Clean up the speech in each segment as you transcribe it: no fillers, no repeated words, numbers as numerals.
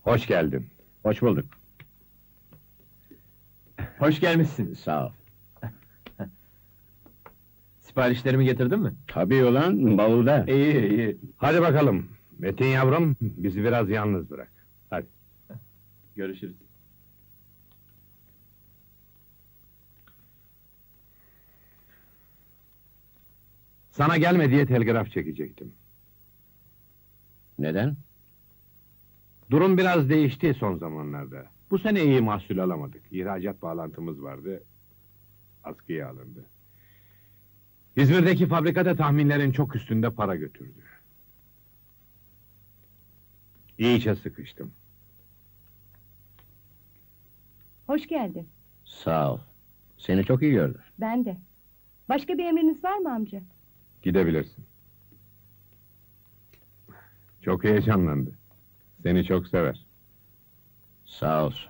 Hoş geldin. Hoş bulduk. Hoş gelmişsin. Sağ ol. Siparişlerimi getirdin mi? Tabii ulan, bavulda. İyi, iyi. Hadi bakalım. Metin yavrum, bizi biraz yalnız bırak. Hadi. Görüşürüz. Sana gelme diye telgraf çekecektim. Neden? Durum biraz değişti son zamanlarda. Bu sene iyi mahsul alamadık. İhracat bağlantımız vardı. Askıya alındı. İzmir'deki fabrikada tahminlerin çok üstünde para götürdü. İyice sıkıştım. Hoş geldin. Sağ ol. Seni çok iyi gördüm. Ben de. Başka bir emriniz var mı amca? Gidebilirsin. Çok heyecanlandı. Seni çok sever. Sağ olsun.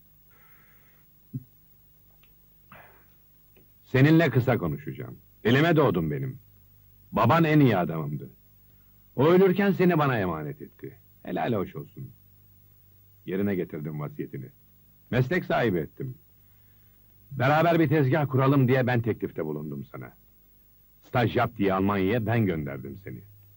Seninle kısa konuşacağım. Elime doğdun benim. Baban en iyi adamımdı. O ölürken seni bana emanet etti. Helal hoş olsun. Yerine getirdim vasiyetini. Meslek sahibi ettim. Beraber bir tezgah kuralım diye ben teklifte bulundum sana. Staj yap diye Almanya'ya ben gönderdim seni.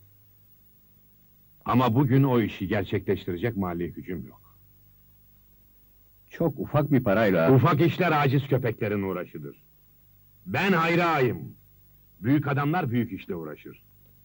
Ama bugün o işi gerçekleştirecek mali gücüm yok. Çok ufak bir parayla... Ufak işler aciz köpeklerin uğraşıdır. Ben hayrağıyım. Büyük adamlar büyük işle uğraşır.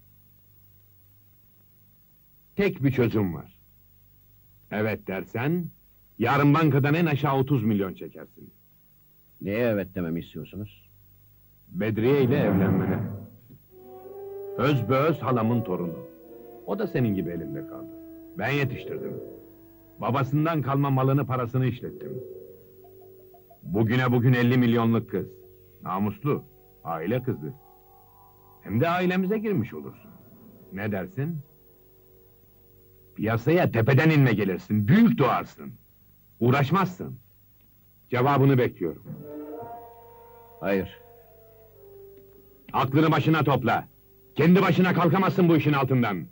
Tek bir çözüm var. Evet dersen, yarın bankadan en aşağı 30 milyon çekersin. Neye evet dememi istiyorsunuz? Bedriye ile evlenmene. Özbeöz halamın torunu. O da senin gibi elimde kaldı. Ben yetiştirdim. Babasından kalma malını parasını işlettim. Bugüne bugün 50 milyonluk kız. Namuslu, aile kızı. Hem de ailemize girmiş olursun. Ne dersin? Piyasaya tepeden inme gelirsin, büyük doğarsın. Uğraşmazsın. Cevabını bekliyorum. Hayır. Aklını başına topla. Kendi başına kalkamazsın bu işin altından.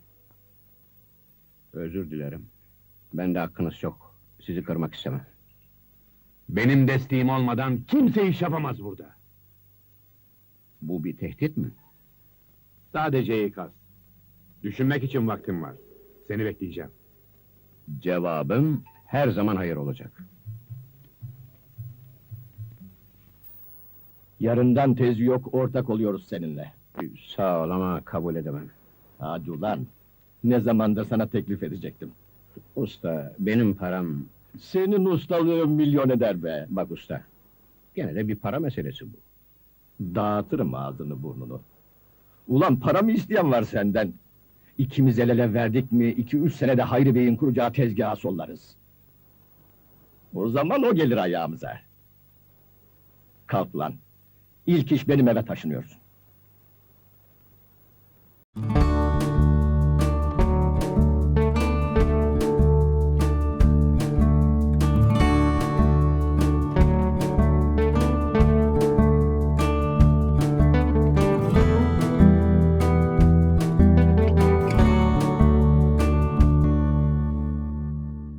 Özür dilerim. Bende hakkınız çok. Sizi kırmak istemem. Benim desteğim olmadan kimse iş yapamaz burada. Bu bir tehdit mi? Sadece ikaz. Düşünmek için vaktim var. Seni bekleyeceğim. Cevabım her zaman hayır olacak. Yarından tezi yok, ortak oluyoruz seninle. Sağ ol ama kabul edemem. Hadi ulan! Ne zamandır sana teklif edecektim. Usta, benim param... Senin ustalığın milyon eder be! Bak usta, gene de bir para meselesi bu. Dağıtırım ağzını burnunu. Ulan para mı isteyen var senden? İkimiz el ele verdik mi, 2-3 senede Hayri Bey'in kuracağı tezgaha sollarız. O zaman o gelir ayağımıza. Kalk lan! İlk iş benim eve taşınıyorsun.